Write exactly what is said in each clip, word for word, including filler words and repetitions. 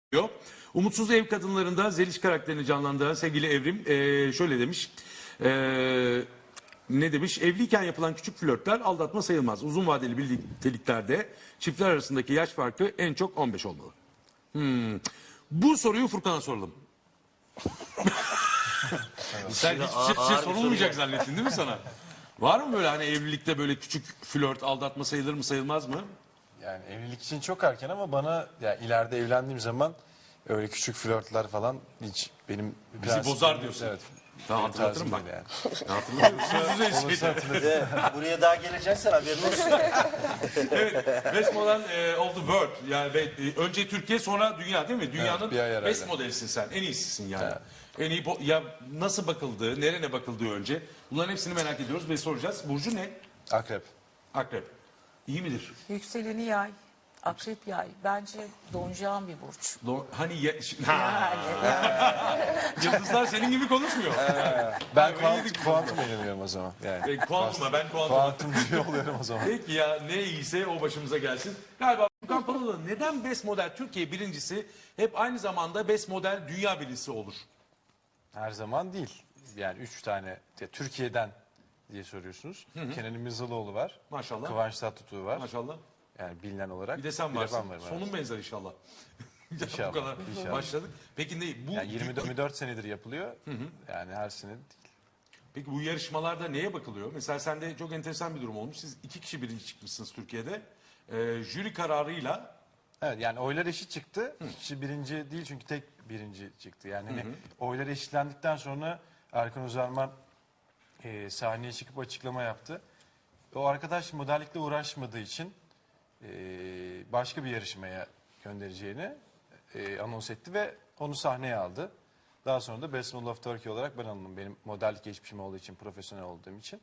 diyor. Umutsuz Ev Kadınlarında Zeliş karakterini canlandıran sevgili Evrim eee, şöyle demiş. Eee, ne demiş? Evliyken yapılan küçük flörtler aldatma sayılmaz. Uzun vadeli birlikteliklerde çiftler arasındaki yaş farkı en çok on beş olmalı. Hmm. Bu soruyu Furkan'a soralım. Sen hiçbir şey, şey sorulmayacak zannettin değil mi sana? Var mı böyle hani evlilikte böyle küçük flört aldatma sayılır mı sayılmaz mı? Yani evlilik için çok erken ama bana yani ileride evlendiğim zaman öyle küçük flörtler falan hiç benim Bizi prensibim- bozar diyorsun. Evet. Tamam, benim hatırlatırım tarzım bak. değil Yani. Hatırlamıyorum. Olursa hatırlatırım. De, buraya daha geleceksen haberin olsun. Evet, Best Model e, of the World. Yani ve, e, önce Türkiye sonra dünya değil mi? Dünyanın bir ay herhalde. best modelisin sen. En iyisisin yani. En iyi bo- ya nasıl bakıldığı, nerene bakıldığı önce. Bunların hepsini merak ediyoruz ve soracağız. Burcu ne? Akrep. Akrep. İyi midir? Yükseleni yay, akrep yay. Bence donacağım bir burç. Do- hani ya- Yani, yıldızlar senin gibi konuşmuyor. Ben öyle kuant, yedik kuantum inanıyorum o zaman. Yani. E, kuantuma ben kuantuma. Kuantumcu oluyorum o zaman. Peki ya ne iyiyse o başımıza gelsin. Galiba Furkan Palalı neden Best Model Türkiye birincisi hep aynı zamanda Best Model dünya birincisi olur? Her zaman değil. Yani üç tane de Türkiye'den diye soruyorsunuz. Kenan İmirzalıoğlu var. Maşallah. Kıvanç Tatlıtuğ var. Maşallah. Yani bilinen olarak. Bir de sen de varsın. ben varım, evet. Sonun benzer inşallah. Ya İnşallah, Bu kadar inşallah. başladık. Peki ne bu Yani yirmi dört, yirmi dört senedir yapılıyor. Yani her sene değil. Peki bu yarışmalarda neye bakılıyor? Mesela sende çok enteresan bir durum olmuş. Siz iki kişi birinci çıkmışsınız Türkiye'de. Ee, jüri kararıyla Evet yani oylar eşit çıktı. Kişi birinci değil çünkü tek birinci çıktı. Yani hani oylar eşitlendikten sonra Erkan Uzarman e, sahneye çıkıp açıklama yaptı. O arkadaş modellikle uğraşmadığı için e, başka bir yarışmaya göndereceğini e, anons etti ve onu sahneye aldı. Daha sonra da Best Model of Turkey olarak ben alındım. Benim modellik geçmişim olduğu için, profesyonel olduğum için.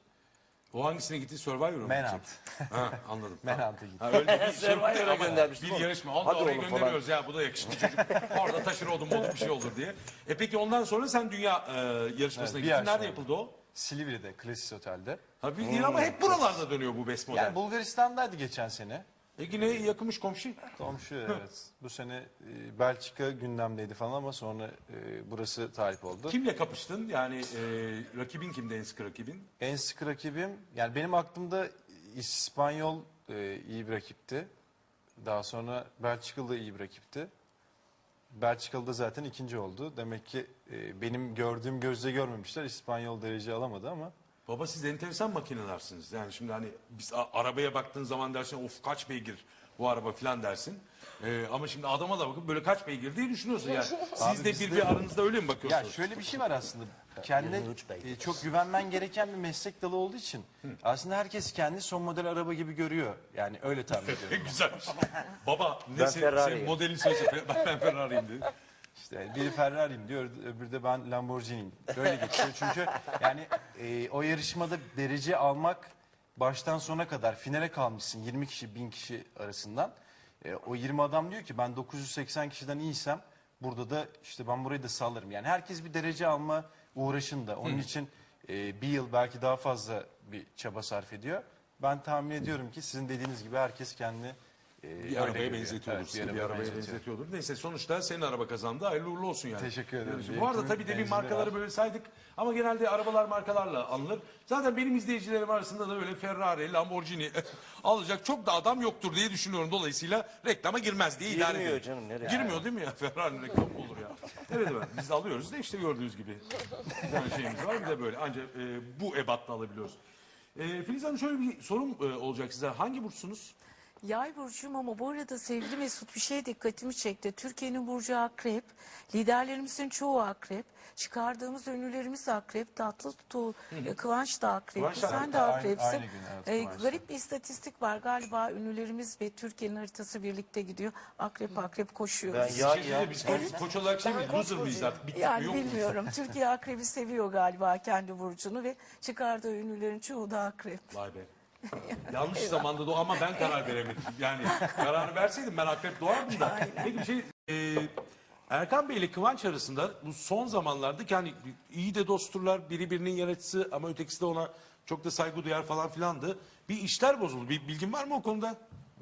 o hangisine gitti? Survivor'a mı? Manhunt. gidecek? Ha, anladım. Manhunt'a gitti. Ha, öyle bir şey Survivor'a ama göndermiştim bir oğlum. yarışma. Onu da Hadi oraya oğlum falan. gönderiyoruz ya bu da yakışıklı çocuk. Orada taşır odun modun bir şey olur diye. E peki ondan sonra sen dünya e, yarışmasına Evet, bir gittin. yarışma Nerede oldu. yapıldı o? Silivri'de, Klesis Otel'de. Ha bildiğin ama hep buralarda dönüyor bu Best Model. Yani Bulgaristan'daydı geçen sene. E yine yakınmış komşu. Komşu evet. Bu sene e, Belçika gündemdeydi falan ama sonra e, burası talip oldu. Kimle kapıştın? Yani e, rakibin kimdi en sıkı rakibin? En sık rakibim yani benim aklımda İspanyol e, iyi bir rakipti. Daha sonra Belçikalı da iyi bir rakipti. Belçikalı da zaten ikinci oldu. Demek ki e, benim gördüğüm gözle görmemişler. İspanyol derece alamadı ama. Baba siz enteresan makinelersiniz. Yani şimdi hani biz a- arabaya baktığın zaman dersin of kaç beygir bu araba falan dersin. Ee, ama şimdi adama da bakıp böyle kaç beygir diye düşünüyorsun yani. Siz de bizde- bir bir aranızda öyle mi Ya bakıyorsunuz? şöyle bir şey var aslında. Kendine yirmi üç beygir. e, çok güvenmen gereken bir meslek dalı olduğu için aslında herkes kendi son model araba gibi görüyor. Yani öyle tahmin ediyorum. Güzelmiş. Baba ne Ben sen, Ferrari'yim. senin modelin söylese ben, ben Ferrari'yim dedi. İşte biri Ferrari'yim diyor, öbürü de ben Lamborghini'yim. Böyle geçiyor çünkü yani e, o yarışmada derece almak baştan sona kadar finale kalmışsın yirmi kişi bin kişi arasından. E, o yirmi adam diyor ki ben dokuz yüz seksen kişiden iyiysem burada da işte ben burayı da sallarım. Yani herkes bir derece alma uğraşında. Onun için e, bir yıl belki daha fazla bir çaba sarf ediyor. Ben tahmin ediyorum ki sizin dediğiniz gibi herkes kendi e, Bir öyle arabaya görüyor. benzetiyordur. Evet, seni, bir arabaya benzetiyor. benzetiyordur. Neyse sonuçta senin araba kazandı. Hayırlı uğurlu olsun yani. Teşekkür ederim. Yani bu arada Benimkinin tabii demin benzini markaları var. böyle saydık. Ama genelde arabalar markalarla alınır. Zaten benim izleyicilerim arasında da böyle Ferrari, Lamborghini alacak çok da adam yoktur diye düşünüyorum. Dolayısıyla reklama girmez diye idare Girmiyor ediyorum. canım, nereye? Girmiyor değil mi ya? Ferrari'nin reklamı mı olur ya? Evet evet biz de alıyoruz da işte gördüğünüz gibi. Bir tane şeyimiz var bir de böyle ancak e, bu ebatta alabiliyoruz. E, Filiz Hanım şöyle bir sorum e, olacak size. Hangi burçsunuz? yay burcuyum ama bu arada sevgili Mesut bir şey dikkatimi çekti. Türkiye'nin burcu akrep, liderlerimizin çoğu akrep, çıkardığımız ünlülerimiz akrep, tatlı tutu, Kıvanç da akrep, Kıvanç da sen akrep. de Aynı- akrepsin. aynı gün, evet, Ee, Kıvanç da. garip bir istatistik var galiba ünlülerimiz ve Türkiye'nin haritası birlikte gidiyor. Akrep akrep koşuyoruz. Ben Bir ya şey söyleyeyim, biz koç, koç olarak şey miyiz? Loser mıyız artık? Bittik mi Yani yok muyuz? bilmiyorum. Türkiye akrebi seviyor galiba kendi burcunu ve çıkardığı ünlülerin çoğu da akrep. Vay be. Yanlış zamanda doğ ama ben karar veremedim. Yani kararı verseydim ben akrep doğardım da. Peki bir şey e, Erkan Bey ile Kıvanç arasında bu son zamanlarda yani iyi de dostturlar biri birinin yaratıcısı ama ötekisi de ona çok da saygı duyar falan filandı. Bir işler bozuldu. Bir bilgin var mı o konuda?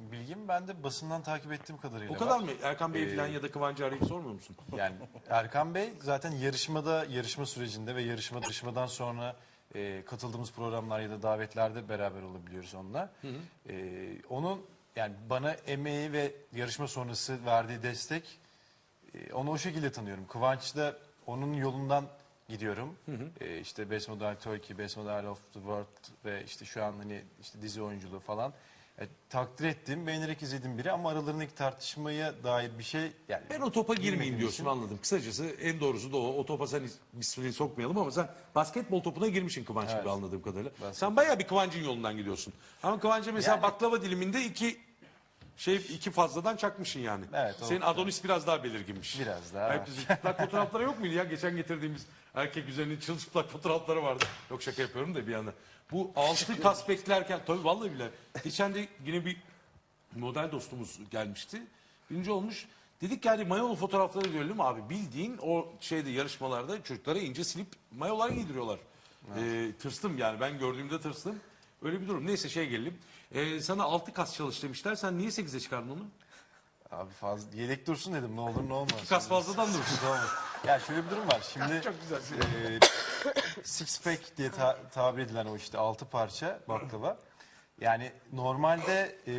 bilgim. Ben de basından takip ettiğim kadarıyla O kadar var. mı? Erkan Bey falan ya da Kıvancı arayıp sormuyor musun? Yani Erkan Bey zaten yarışmada, yarışma sürecinde ve yarışma yarışmadan sonra e, katıldığımız programlar ya da davetlerde beraber olabiliyoruz onunla. E, onun yani bana emeği ve yarışma sonrası verdiği destek, e, onu o şekilde tanıyorum. Kıvanç da onun yolundan gidiyorum. E, işte Best Model Turkey, Best Model of the World ve işte şu an hani işte dizi oyunculuğu falan. E, takdir ettiğim, beğenerek izlediğim biri ama aralarındaki tartışmaya dair bir şey yani Ben o topa girmeyeyim bilmediğim diyorsun, için- anladım. Kısacası en doğrusu da o. O topa sen ismini sokmayalım ama sen basketbol topuna girmişsin Kıvanç gibi Evet. anladığım kadarıyla. Basketbol. Sen bayağı bir Kıvanç'ın yolundan gidiyorsun. Ama Kıvanç'a mesela Yani- baklava diliminde iki şey iki fazladan çakmışsın yani. Evet, o- Senin Adonis biraz daha belirginmiş. Biraz daha. Hep bizim çıplak fotoğrafları yok muydu ya? Geçen getirdiğimiz erkek üzerine çılçıplak fotoğrafları vardı. Yok, şaka yapıyorum da bir yana. Bu altı kas beklerken tabii vallahi bile. Geçen de yine bir model dostumuz gelmişti. Birinci olmuş. Dedik yani mayolu fotoğrafları görelim abi. Bildiğin o şeyde yarışmalarda çocuklara ince silip mayolar giydiriyorlar. Ee, tırstım yani, ben gördüğümde tırstım. Öyle bir durum. Neyse şey gelelim. Ee, sana altı kas çalış demişler. Sen niye sekize çıkardın onu? Abi fazla yedek dursun dedim, ne olur ne olmaz. İki kas fazladan dursun. Olmaz. Ya şöyle bir durum var. Şimdi Çok güzel. e, six pack diye ta- tabir edilen o işte altı parça baklava. Yani normalde e,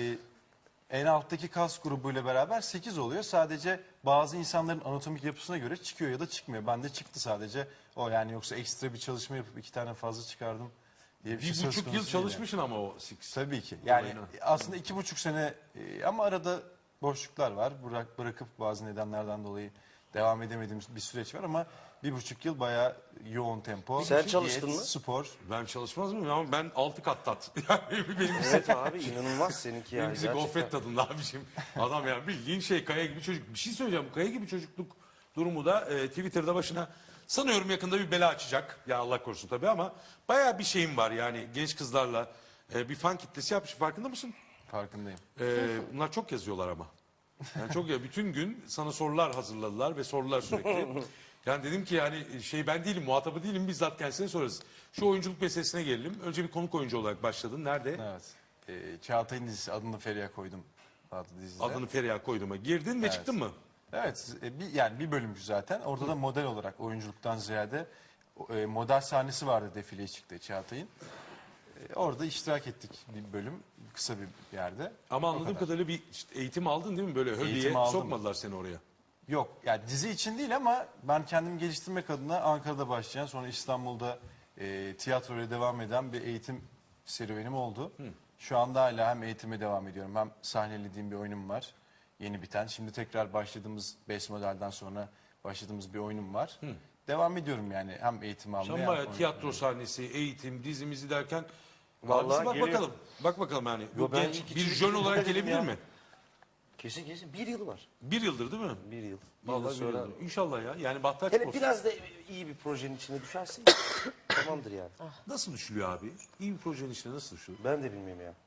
en alttaki kas grubuyla beraber sekiz oluyor. Sadece bazı insanların anatomik yapısına göre çıkıyor ya da çıkmıyor. Bende çıktı sadece o, yani yoksa ekstra bir çalışma yapıp iki tane fazla çıkardım diye bir, şey Bir söz buçuk konusu yıl değil çalışmışsın ama o six. Tabii ki. Yani Olayına. aslında iki buçuk sene e, ama arada boşluklar var. Bırak, bırakıp bazı nedenlerden dolayı devam edemediğimiz bir süreç var ama bir buçuk yıl bayağı yoğun tempo. Sen Diyet, çalıştın mı? Spor. Ben çalışmaz mıyım ama ben altı kat tat. Yani benim Evet abi, inanılmaz seninki yani. Benimki gofret tadında abiciğim. Adam ya bildiğin şey kaya gibi çocuk. Bir şey söyleyeceğim. Bu kaya gibi çocukluk durumu da e, Twitter'da başına sanıyorum yakında bir bela açacak. Ya Allah korusun tabii ama bayağı bir şeyim var yani genç kızlarla e, bir fan kitlesi yapmış. Farkında mısın? Farkındayım. E, bunlar çok yazıyorlar ama. Yani çok ya, bütün gün sana sorular hazırladılar ve sorular sürekli. Yani dedim ki yani şey ben değilim, muhatabı değilim, bizzat kendisine sorarız. Şu oyunculuk meselesine gelelim. Önce bir konuk oyuncu olarak başladın. Nerede? Evet. E, Çağatay'ın dizisi, adını Feriha koydum. Adlı dizide. Adını Feriha koyduma. Girdin ve Evet. çıktın mı? Evet, e, bir, yani bir bölümcü zaten. Orada da model olarak oyunculuktan ziyade e, model sahnesi vardı, defileye çıktı Çağatay'ın. E, orada iştirak ettik bir bölüm, kısa bir yerde. Ama O anladığım kadar. kadarıyla bir işte eğitim aldın değil mi? Böyle hölyeye Eğitim aldım. sokmadılar seni oraya. Yok, yani dizi için değil ama ben kendimi geliştirmek adına Ankara'da başlayan, sonra İstanbul'da e, tiyatroya devam eden bir eğitim serüvenim oldu. Şu anda hala hem eğitime devam ediyorum hem sahnelediğim bir oyunum var. Yeni biten. Şimdi tekrar başladığımız Best Model'den sonra başladığımız bir oyunum var. Devam ediyorum yani hem eğitim almaya Sen hem bayağı oyun- tiyatro sahnesi, eğitim, dizimizi derken Vallahi abisi bak geliyor. bakalım. Bak bakalım yani. Yo, Bu ben genç iki bir çocuk jön olarak dedim gelebilir ya. mi? Kesin kesin bir yıl var. Bir yıldır değil mi? Bir yıl. Bir Vallahi yıl bir sonra. yıldır. İnşallah ya. Yani bahtaç Hele olsun. biraz da iyi bir projenin içine düşersin. Tamamdır yani. Nasıl düşülüyor abi? İyi bir projenin içine nasıl düşülüyor? Ben de bilmiyorum ya.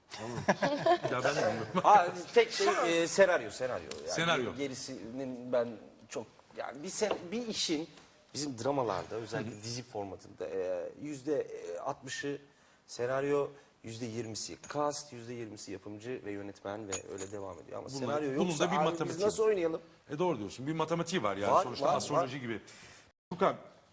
Ya ben de bilmiyorum. Aa, tek şey e, senaryo, senaryo. Yani Senaryo. Gerisinin ben çok yani bir sen, bir işin bizim dramalarda özellikle dizi formatında e, yüzde altmışı senaryo, yüzde yirmisi cast, yüzde yirmisi yapımcı ve yönetmen ve öyle devam ediyor. Ama Bunun- senaryo bunun yoksa da bir abi matematiği biz nasıl oynayalım? E doğru diyorsun. Bir matematiği var yani Var, sonuçta var, astroloji var. gibi. Furkan,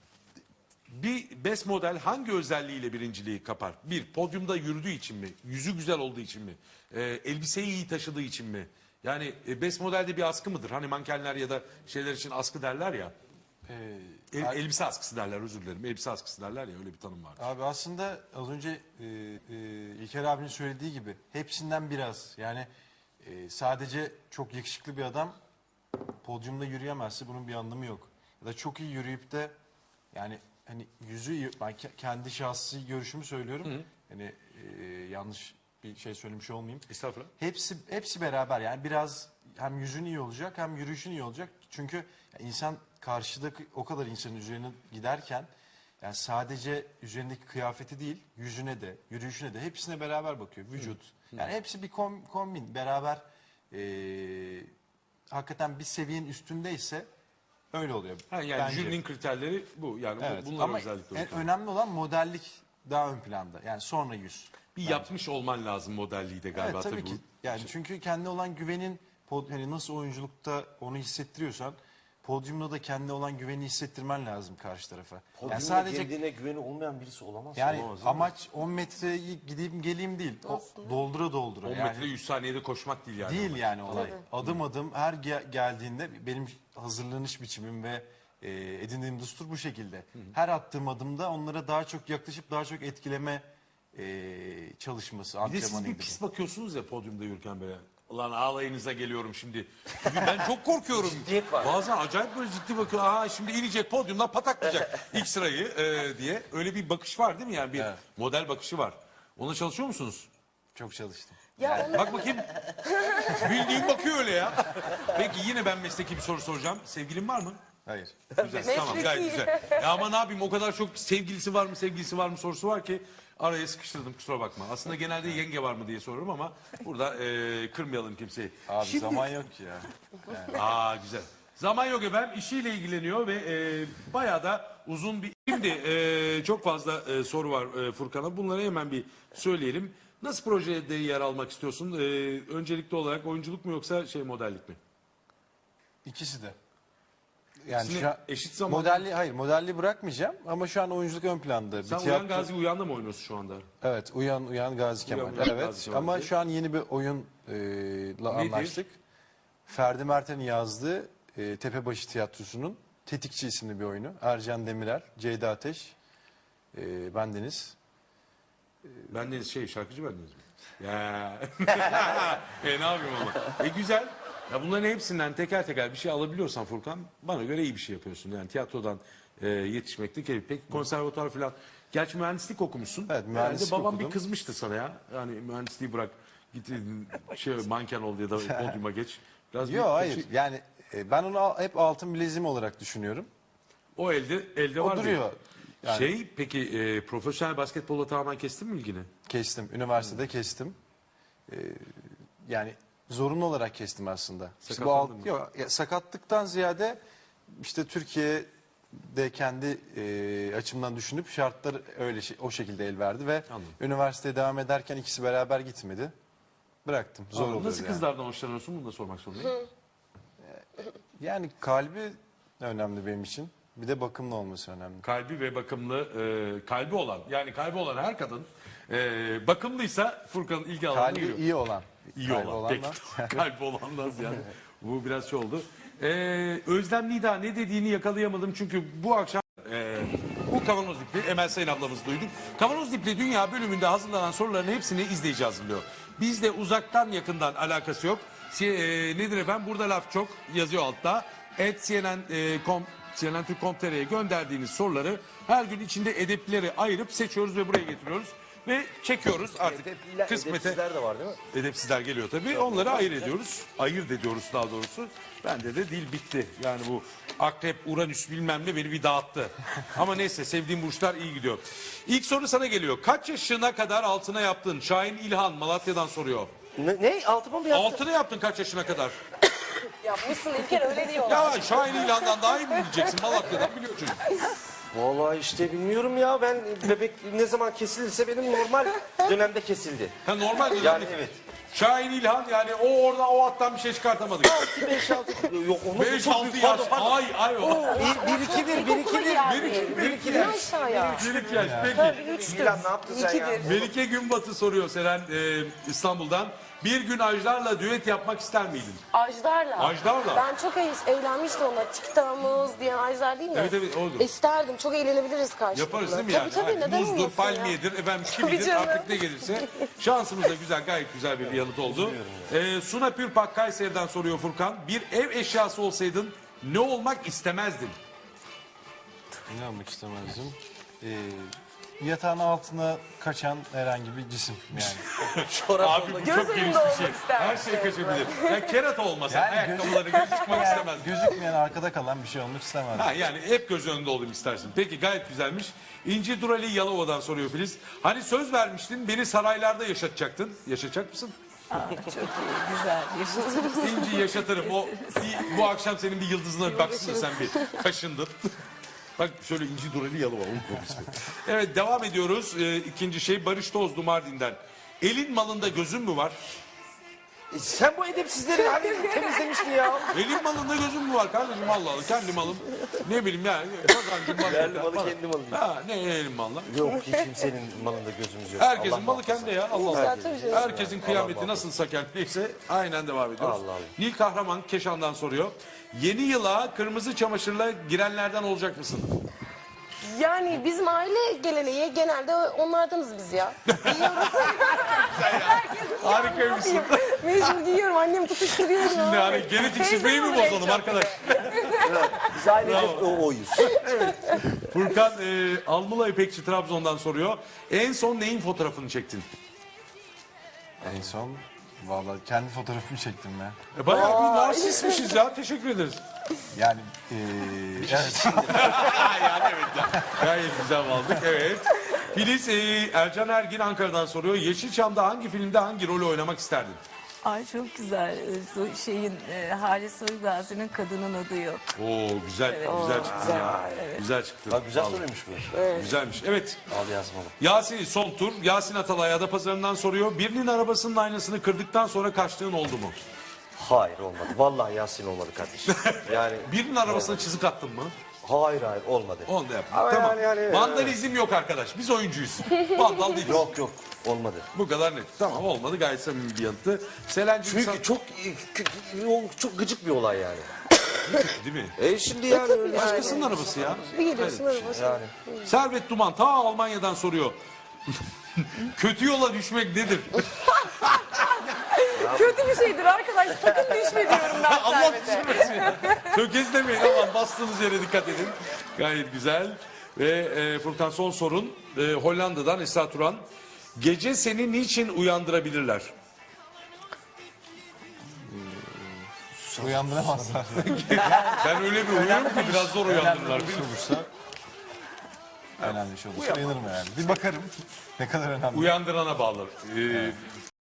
bir best model hangi özelliğiyle birinciliği kapar? Bir, podyumda yürüdüğü için mi? Yüzü güzel olduğu için mi? E, elbiseyi iyi taşıdığı için mi? Yani e, best modelde bir askı mıdır? Hani mankenler ya da şeyler için askı derler ya. E, El- abi- elbise askısı derler, özür dilerim. Elbise askısı derler ya, öyle bir tanım var. Abi aslında az önce e, e, İlker abinin söylediği gibi hepsinden biraz. Yani e, sadece çok yakışıklı bir adam podyumda yürüyemezse bunun bir anlamı yok. Ya da çok iyi yürüyüp de yani hani yüzü iyi, ben ke- kendi şahsi görüşümü söylüyorum. Hani e, yanlış bir şey söylemiş olmayayım. Estağfurullah. Hepsi hepsi beraber yani biraz hem yüzün iyi olacak hem yürüyüşün iyi olacak. Çünkü ya insan karşıdaki o kadar insanın üzerine giderken yani sadece üzerindeki kıyafeti değil yüzüne de yürüyüşüne de hepsine beraber bakıyor. Vücut. Yani hepsi bir kom- kombin beraber eee, hakikaten bir seviyenin üstündeyse öyle oluyor. Ha, yani bence. jürinin kriterleri bu. Yani bu- Evet. bunlar Ama özellikle. en önemli olan modellik daha ön planda. Yani sonra yüz. bir yapmış olman lazım modelliği de galiba. Evet, tabii tabii ki. bu. Yani çünkü kendi olan güvenin pod- hani nasıl oyunculukta onu hissettiriyorsan podyumda da kendi olan güveni hissettirmen lazım karşı tarafa. Podyumda Yani sadece kendine güveni olmayan birisi olamaz. yani Olamaz, değil mi? amaç on metreyi gideyim geleyim değil. O, doldura doldura. on yani. metre yüz saniyede koşmak değil yani. Değil yani olay. Adım adım her ge- geldiğinde benim hazırlanış biçimim ve e, edindiğim düstur bu şekilde. Her attığım adımda onlara daha çok yaklaşıp daha çok etkileme e, çalışması, Bir de siz antrenmanı bir gibi. pis bakıyorsunuz ya podyumda yürürken böyle. Ulan ağlayınıza geliyorum şimdi. Çünkü ben çok korkuyorum. Ciddiyet var. Bazen acayip böyle ciddi bakıyor. Aa şimdi inecek podyumdan pataklayacak ilk sırayı e, diye. Öyle bir bakış var değil mi yani? Bir Evet. model bakışı var. Ona çalışıyor musunuz? Çok çalıştım. Ya onu Bak bakayım. Bildiğin bakıyor öyle ya. Peki yine ben mesleki bir soru soracağım. Sevgilin var mı? Hayır. Güzel, tamam gayet güzel. Ya ama ne yapayım o kadar çok sevgilisi var mı sevgilisi var mı sorusu var ki araya sıkıştırdım kusura bakma. Aslında genelde yenge var mı diye soruyorum ama burada e, kırmayalım kimseyi. Abi Şimdi- zaman yok ki ya. Aa güzel. Zaman yok efendim işiyle ilgileniyor ve e, bayağı da uzun bir... Şimdi e, çok fazla e, soru var e, Furkan'a bunları hemen bir söyleyelim. Nasıl projede yer almak istiyorsun? E, öncelikli olarak oyunculuk mu yoksa şey modellik mi? İkisi de. Yani İkisini şu an eşit zamanda- modelli hayır modelli bırakmayacağım ama şu an oyunculuk ön planda. Bir Sen tiyatro- Uyan Gazi Uyan'da mı oynuyorsun şu anda? Evet, Uyan Uyan Gazi Kemal. Uyan evet. Gazi Kemal Ama diye. şu an yeni bir oyunla Nedir? anlaştık. Ferdi Merten'in yazdığı e, Tepebaşı Tiyatrosu'nun Tetikçi isimli bir oyunu. Ercan Demirer, Ceyda Ateş, e, bendeniz. Ben de şey şarkıcı bendeniz mi? Ya. e ne yapayım ama. E güzel. Ya bunların hepsinden teker teker bir şey alabiliyorsan Furkan bana göre iyi bir şey yapıyorsun. Yani tiyatrodan e, yetişmekte keyif. Peki konservatuar falan. Gerçi mühendislik okumuşsun. Evet, mühendislik Herhalde babam okudum. bir kızmıştı sana ya. Yani mühendisliği bırak. Git şey manken ol ya da podyuma geç. Biraz bir- Yok hayır yani e, ben onu al- hep altın bileziğim olarak düşünüyorum. O elde elde O var. duruyor. diyor. Yani Şey peki e, profesyonel basketbolla tamamen kestin mi ilgini? kestim. Üniversitede kestim. E, yani zorunlu olarak kestim aslında. İşte bu alt, Sakatlandın mı? yok, ya, sakatlıktan ziyade işte Türkiye'de kendi e, açımdan düşünüp şartlar öyle şey- o şekilde el verdi ve Anladım. üniversiteye devam ederken ikisi beraber gitmedi. Bıraktım. Zor oluyor Nasıl yani. kızlardan hoşlanıyorsun? Bunu da sormak zorundayım. Yani kalbi önemli benim için. Bir de bakımlı olması önemli. Kalbi ve bakımlı, e, kalbi olan yani kalbi olan her kadın e, bakımlıysa Furkan'ın ilgi alanına Kalbi giriyor. iyi olan. İyi Kalbi olan. olandan- Peki. Kalbi olandan yani. Bu biraz şey oldu. E, Özlem Nida ne dediğini yakalayamadım çünkü bu akşam e, bu Kavanoz Dipli Emel Sayın ablamızı duyduk. Kavanoz Dipli Dünya bölümünde hazırlanan soruların hepsini izleyici hazırlıyor. Bizde uzaktan yakından alakası yok. Si- e, nedir efendim? Burada laf çok yazıyor altta. Et C N N e, com C N N Türk nokta com nokta T R'ye gönderdiğiniz soruları her gün içinde edepleri ayırıp seçiyoruz ve buraya getiriyoruz. Ve çekiyoruz artık Edepler, kısmete. edepsizler de var değil mi? Edepsizler geliyor tabii. Onları ayırt ediyoruz. Ayırt ediyoruz daha doğrusu. Bende de dil bitti. Yani bu akrep, uranüs bilmem ne beni bir dağıttı. Ama neyse sevdiğim burçlar iyi gidiyor. İlk soru sana geliyor. Kaç yaşına kadar altına yaptın? Şahin İlhan Malatya'dan soruyor. Ne? ne? Altıma mı yaptın? Altına yaptın kaç yaşına kadar? yapmışsın İlker öyle diyorlar. Ya Şahin İlhan'dan daha iyi mi bileceksin? Malatya'dan biliyor çocuk. Vallahi işte bilmiyorum ya ben bebek ne zaman kesilirse benim normal dönemde kesildi. Ha, normal mi? Yani evet. Şahin İlhan yani o orada o attan bir şey çıkartamadık. beş altı yok onu beş çok altı büyük. yaş. Pardon, pardon. Ay ay o. Bir, bir iki bir, bir iki bir. yani. Bir iki- bir iki- Bir aşağıya. Bir iki yaş. Peki. Milan ne yaptın sen ya? İkidir. Melike Günbatı soruyor Seren e, İstanbul'dan. Bir gün Ajdar'la düet yapmak ister miydin? Ajdar'la. Ajdar'la? Ben çok eğ- eğlenmiştim onunla. Çıktığımız diyen Ajdar değil mi? Evet, evet, odur. İsterdim. Çok eğlenebiliriz karşılıklı. Yaparız değil mi tabii, yani? Tabii Hani neden Muzdur, olmasın palmiyedir, efendim kimidir canım. artık ne gelirse. Şansımız da güzel, gayet güzel bir yanıt oldu. Ee, Suna Pürpak Kayseri'den soruyor Furkan. Bir ev eşyası olsaydın ne olmak istemezdin? Ne olmak istemezdim? Ee, yatağın altına kaçan herhangi bir cisim yani. Çorap Abi bu oldu. çok Göz geniş önünde bir şey. olmak isterdim. Her şey kaçabilir. Yani kerata olmasa Yani ayakkabıları göz çıkmak istemez. Gözükmeyen arkada kalan bir şey olmak istemezdim. Ha, yani hep göz önünde olayım istersin. Peki gayet güzelmiş. İnci Durali Yalova'dan soruyor Filiz. Hani söz vermiştin beni saraylarda yaşatacaktın. Yaşatacak mısın? Çok iyi, güzel. Yaşasın. İnci yaşatırım. O bir- bu akşam senin bir yıldızına bir baksana sen bir kaşındın. Bak şöyle inci dureli yalı var. Onun ismi. Evet devam ediyoruz. Ee, ikinci şey Barış Tozlu Mardin'den. Elin malında gözün mü var? E, sen bu edepsizleri hani temizlemiştin ya. Elin malında gözün mü var kardeşim Allah Allah. Kendi malım. Ne bileyim yani. Kazancım var. Kendi malı Bana- kendi malım. Ha ne elin malına? Yok hiç kimsenin malında gözümüz yok. Herkesin Allah malı muhafaza. kendi ya. Allah Allah. Güzel, tabii canım. Herkesin kıyameti nasılsa kendiyse aynen devam ediyoruz. Allah Allah. Nil Kahraman Keşan'dan soruyor. Yeni yıla kırmızı çamaşırla girenlerden olacak mısın? Yani bizim aile geleneği genelde onlardanız biz ya. Giyiyoruz. Harikaymışsın. Mecbur giyiyorum. Annem tutuşturuyor. Şimdi hani genetik şifreyi mi bozalım arkadaş? Biz ailece o oyuz. Furkan e, Almula İpekçi Trabzon'dan soruyor. En son neyin fotoğrafını çektin? En son vallahi kendi fotoğrafımı çektim ya. E, bayağı bir narsistmişiz ya. Teşekkür ederiz. Yani eee evet. yani evet ya. Gayet güzel aldık. Evet. Filiz e, Ercan Ergin Ankara'dan soruyor. Yeşilçam'da hangi filmde hangi rolü oynamak isterdin? Ay çok güzel. Ee, Şeyin e, Halis Uygazi'nin Kadının Adı Yok. Oo güzel. Güzel çıktı ya. Güzel çıktı. Bak güzel Vallahi. soruymuş bu. Güzelmiş. Evet. Al yazmalı. Yasin son tur. Yasin Atalay Adapazarı'ndan soruyor. Birinin arabasının aynasını kırdıktan sonra kaçtığın oldu mu? Hayır olmadı. Vallahi Yasin olmadı kardeşim. Yani Birinin arabasına çizik attın mı? hayır hayır olmadı. Onu da yapma. Ama Tamam. yani- yani- Vandalizm yok arkadaş. Biz oyuncuyuz. Vandal değiliz. Yok yok olmadı. Bu kadar net. Tamam olmadı. Gayet samimi bir yanıtı. Selen'cim sen... Çünkü çok çok çok gıcık bir olay yani. Değil mi? E şimdi yani Başkasının arabası ya. Bir geliyorsun araba. yani Servet Duman ta Almanya'dan soruyor. Kötü yola düşmek nedir? Kötü bir şeydir arkadaş. Sakın düşme diyorum ben Allah Servet'e. düşürmesin. Tökezlemeyin aman bastığınız yere dikkat edin. Gayet güzel. Ve e, Furkan son sorun. E, Hollanda'dan Esra Turan. Gece seni niçin uyandırabilirler? Uyandıramazlar. Ben öyle bir uyuyorum ki biraz zor uyandırırlar. Önemli bir şey olursa önemli bir şey olursa uyanırım yani. Bir bakarım ne kadar önemli. Uyandırana bağlı. E,